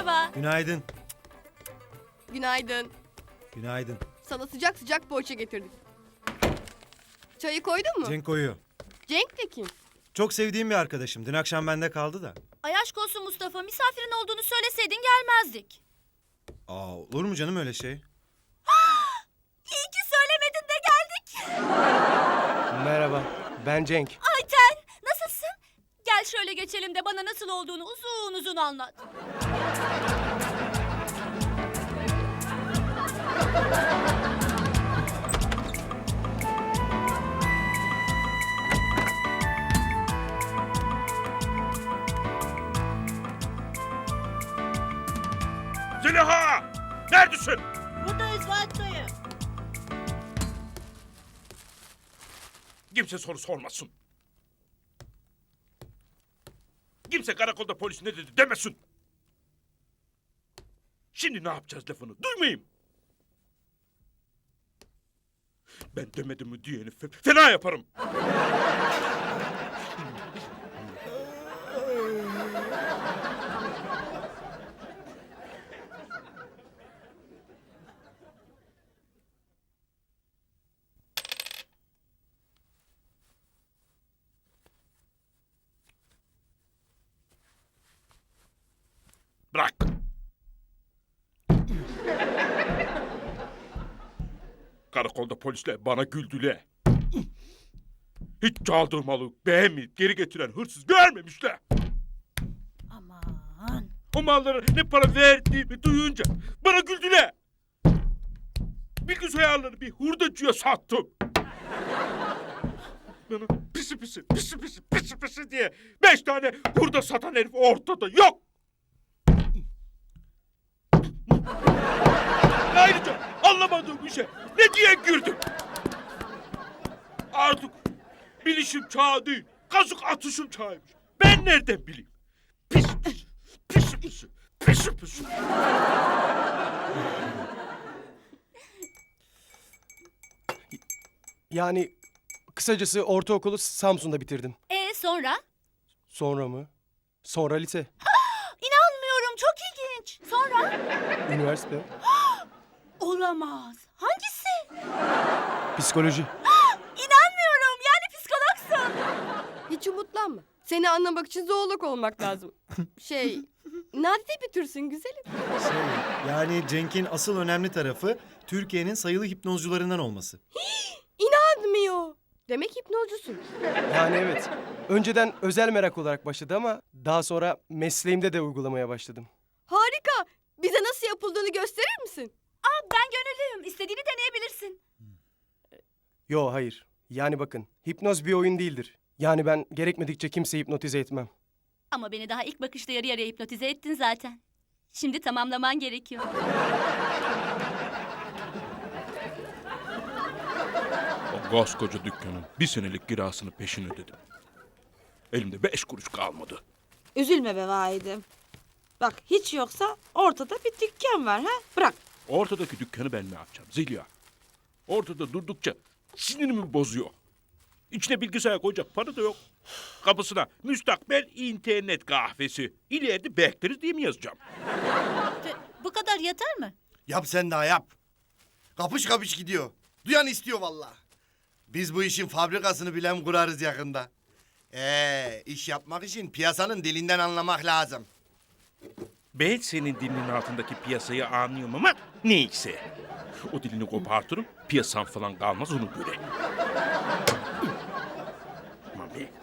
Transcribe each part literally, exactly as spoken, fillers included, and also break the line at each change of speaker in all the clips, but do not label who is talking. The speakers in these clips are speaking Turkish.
merhaba.
Günaydın.
Günaydın.
Günaydın.
Sana sıcak sıcak poğaça getirdik. Çayı koydun mu?
Cenk koyuyor.
Cenk de kim?
Çok sevdiğim bir arkadaşım. Dün akşam bende kaldı da.
Ay aşk olsun Mustafa, misafirin olduğunu söyleseydin gelmezdik.
Aa, olur mu canım öyle şey?
İyi ki söylemedin de geldik.
Merhaba, ben Cenk.
Ayten, nasılsın? Gel şöyle geçelim de bana nasıl olduğunu uzun uzun anlat.
Zeliha! Neredesin?
Buradayız Fatih dayı.
Kimse soru sormasın. Kimse karakolda polis ne dedi demesin. Şimdi ne yapacağız lafını duymayayım. Ben demedim mi diyeni fe- fena yaparım. Bırak. Karakolda polisler bana güldüler. Hiç çaldığım malı beğenmeyip geri getiren hırsız görmemişler.
Aman.
O mallara ne para verdiğimi duyunca bana güldüler. Bilgisayarları bir hurdacıya sattım. Bana pisi pisi, pisi pisi, pisi pisi diye beş tane hurda satan herif ortada yok. Ayrıca anlamadığım bir şey ne diye güldüm. Artık bilişim çağı değil, kazık atışım çağıymış. Ben nereden bileyim? Pis pis, pis pis, pis pis.
Yani kısacası ortaokulu Samsun'da bitirdim.
E sonra?
Sonra mı? Sonra lise,
İnanmıyorum, çok ilginç. Sonra?
üniversite,
Olamaz. Hangisi?
psikoloji.
İnanmıyorum, yani psikologsun.
Hiç umutlanma. Seni anlamak için zoolog olmak lazım. Şey, nadide bir türsün güzelim.
Şey, yani Cenk'in asıl önemli tarafı Türkiye'nin sayılı hipnozcularından olması.
İnanmıyor. Demek hipnozcusun.
Yani evet, önceden özel merak olarak başladı ama daha sonra mesleğimde de uygulamaya başladım.
Harika. Bize nasıl yapıldığını gösterir misin?
Aa, ben gönüllüyüm. İstediğini deneyebilirsin.
Yo hayır, yani bakın hipnoz bir oyun değildir. Yani ben gerekmedikçe kimseyi hipnotize etmem.
Ama beni daha ilk bakışta yarı yarıya hipnotize ettin zaten. Şimdi tamamlaman gerekiyor.
O koskoca dükkanın bir senelik kirasını peşin ödedim. Elimde beş kuruş kalmadı.
Üzülme be vahidim. Bak hiç yoksa ortada bir dükkan var ha. Bırak.
Ortadaki dükkanı ben ne yapacağım Zeliha? Ortada durdukça sinirimi bozuyor. İçine bilgisayar koyacak para da yok. Kapısına müstakbel internet kahvesi. İleride bekleriz diye mi yazacağım?
Bu kadar yeter mi?
Yap sen daha yap. Kapış kapış gidiyor. Duyan istiyor vallahi. Biz bu işin fabrikasını bilen kurarız yakında. Ee, iş yapmak için piyasanın dilinden anlamak lazım.
Ben senin dilinin altındaki piyasayı anlıyorum ama neyse. O dilini kopartırım, piyasan falan kalmaz onu göre. Aman be.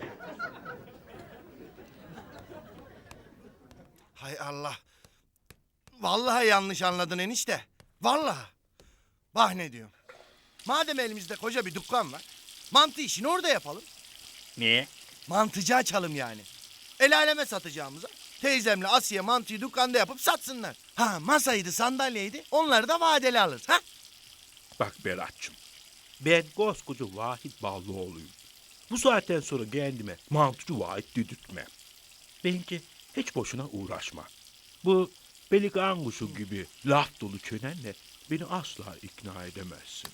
Hay Allah. Vallahi yanlış anladın enişte. Vallahi. Bak ne diyorum. Madem elimizde koca bir dükkan var, mantı işini orada yapalım.
Niye?
Mantıcı açalım yani. El aleme satacağımıza teyzemle Asiye mantıyı dükkanda yapıp satsınlar. Ha masaydı sandalyeydi onları da vadeli alırız. Ha?
Bak Berat'cığım, ben koskoca Vahit Ballıoğlu'yum. Bu saatten sonra kendime mantıcı Vahit dedirtmem. Bence hiç boşuna uğraşma. Bu pelikan kuşu gibi laf dolu çenenle beni asla ikna edemezsin.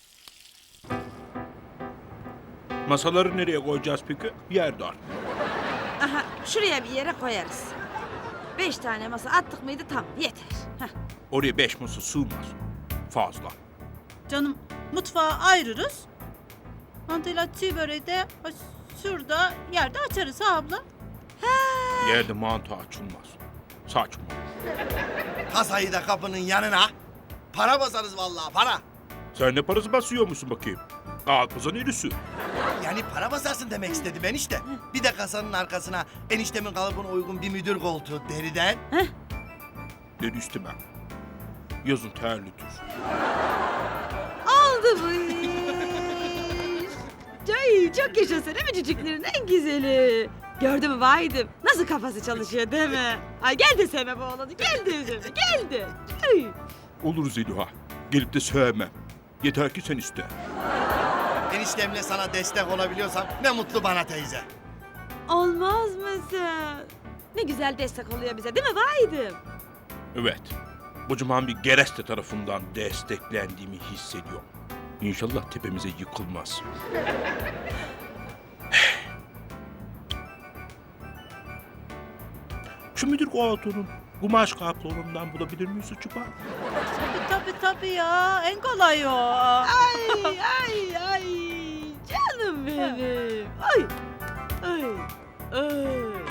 Masaları nereye koyacağız peki? Yer dar.
Aha şuraya bir yere koyarız. Beş tane masa attık mıydı tam yeter. Heh.
Oraya beş masa sığmaz. Fazla.
Canım mutfağı ayırırız. Mantıyla çiğ böreği de ha, şurada yerde açarız ha abla.
Yerde mantı açılmaz. Saçma.
Kasayı da kapının yanına. Para basarız vallahi para.
Sen ne parası basıyor musun bakayım? Kalkmazan erisi.
Yani para basarsın demek istedim enişte. Bir de kasanın arkasına eniştemin kalıbına uygun bir müdür koltuğu deriden.
Dedi istemem. Yazın terlidir.
Oldu bu iş. Ay, çok yaşasın değil mi çocukların en güzeli? Gördün mü Vahidim? Nasıl kafası çalışıyor değil mi? Ay gel de sevme bu oğlanı. Gel de sevme. Gel de. Ay.
Olur Zeliha. Gelip de sevmem. Yeter ki sen iste.
Eniştemle sana destek olabiliyorsam ne mutlu bana teyze.
Olmaz mısın? Ne güzel destek oluyor bize değil mi Vahidim?
Evet. Kocaman bir gereste tarafından desteklendiğimi hissediyorum. İnşallah tepemize yıkılmaz. Şu müdür koltuğunun kumaş kaplonundan bulabilir miyiz acaba?
Tabii tabii tabii ya en kolay o.
Ay ay ay canım benim. Ay ay ay.